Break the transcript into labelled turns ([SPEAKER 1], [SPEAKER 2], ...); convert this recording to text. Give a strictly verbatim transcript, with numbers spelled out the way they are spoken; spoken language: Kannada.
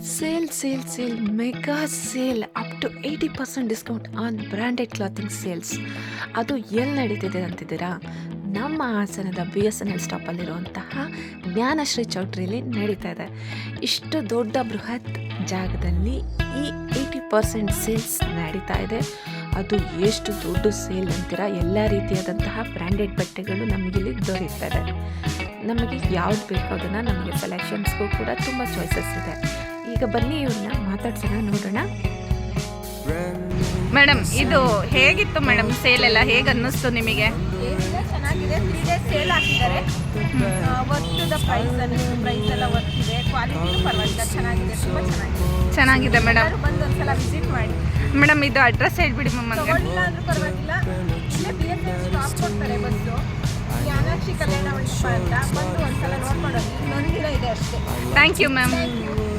[SPEAKER 1] Sale sale sale mega sale up to eighty percent discount on branded clothing sales. ಅದು ಎಲ್ಲಿ ನಡೀತಿದೆ ಅಂತಿದ್ದೀರಾ? ನಮ್ಮ ಹಾಸನದ ಬಿ ಎಸ್ ಎನ್ ಎಲ್ ಸ್ಟಾಪಲ್ಲಿರುವಂತಹ ಜ್ಞಾನಶ್ರೀ ಚೌಟ್ರಿಯಲ್ಲಿ ನಡೀತಾ ಇದೆ. ಇಷ್ಟು ದೊಡ್ಡ ಬೃಹತ್ ಜಾಗದಲ್ಲಿ ಈ ಏಯ್ಟಿ ಪರ್ಸೆಂಟ್ ಸೇಲ್ಸ್ ನಡೀತಾ ಇದೆ. ಅದು ಎಷ್ಟು ದೊಡ್ಡ ಸೇಲ್ ಅಂತೀರಾ? ಎಲ್ಲ ರೀತಿಯಾದಂತಹ ಬ್ರ್ಯಾಂಡೆಡ್ ಬಟ್ಟೆಗಳು ನಮಗಿಲ್ಲಿ ದೊರೆಯುತ್ತದೆ. ನಮಗೆ ಯಾವ್ದು ಬೇಕೋ ಅದನ್ನು ನಮಗೆ ಸೆಲೆಕ್ಷನ್ಸ್ಗೂ ಕೂಡ ತುಂಬ ಚಾಯ್ಸಸ್ ಇದೆ. ಈಗ ಬನ್ನಿ ಇವ್ರನ್ನ ಮಾತಾಡ್ಸೋಣ, ನೋಡೋಣ.
[SPEAKER 2] ಮೇಡಮ್, ಇದು ಹೇಗಿತ್ತು ಮೇಡಮ್? ಸೇಲ್ ಎಲ್ಲ ಹೇಗೆ ಅನ್ನಿಸ್ತು ನಿಮಗೆ?
[SPEAKER 3] ಏನಿಲ್ಲ, ಚೆನ್ನಾಗಿದೆ. ತ್ರೀ ಡೇಸ್ ಸೇಲ್ ಹಾಕಿದ್ದಾರೆ. ವರ್ತ್ ಪ್ರೈಸ್ ಅನ್ನಿಸ್ತು. ಪ್ರೈಸ್ ಎಲ್ಲ ವರ್ತ್ ಇದೆ. ಕ್ವಾಲಿಟಿನೂ ಪರವಾಗಿಲ್ಲ, ಚೆನ್ನಾಗಿದೆ, ತುಂಬ ಚೆನ್ನಾಗಿದೆ.
[SPEAKER 2] ಚೆನ್ನಾಗಿದೆ ಮೇಡಮ್.
[SPEAKER 3] ಎಲ್ಲರೂ ಬಂದು ಒಂದ್ಸಲ ವಿಸಿಟ್ ಮಾಡಿ.
[SPEAKER 2] ಮೇಡಮ್, ಇದು ಅಡ್ರೆಸ್ ಹೇಳ್ಬಿಡಿ ಮ್ಯಾಮ್ ನನಗೆ.
[SPEAKER 3] ತಗೊಳ್ಳಿಲ್ಲ ಅಂದ್ರೂ ಪರವಾಗಿಲ್ಲ, ಇಲ್ಲೇ ಬಿ ಎಸ್ ಎನ್ ಸ್ಟಾಪ್ ಕೊಡ್ತಾರೆ ಬಸ್ಸು. ಜ್ಞಾನಾಕ್ಷಿ ಕಲ್ಯಾಣ ಮಂಟಪ ಅಂತ ಬಂದು ಒಂದ್ಸಲ ನೋಡ್ಕೊಂಡು ಹೋಗಿ. ಇನ್ನೊಂದು ದಿನ ಇದೆ ಅಷ್ಟೇ.
[SPEAKER 2] Thank you ma'am.
[SPEAKER 3] Thank you.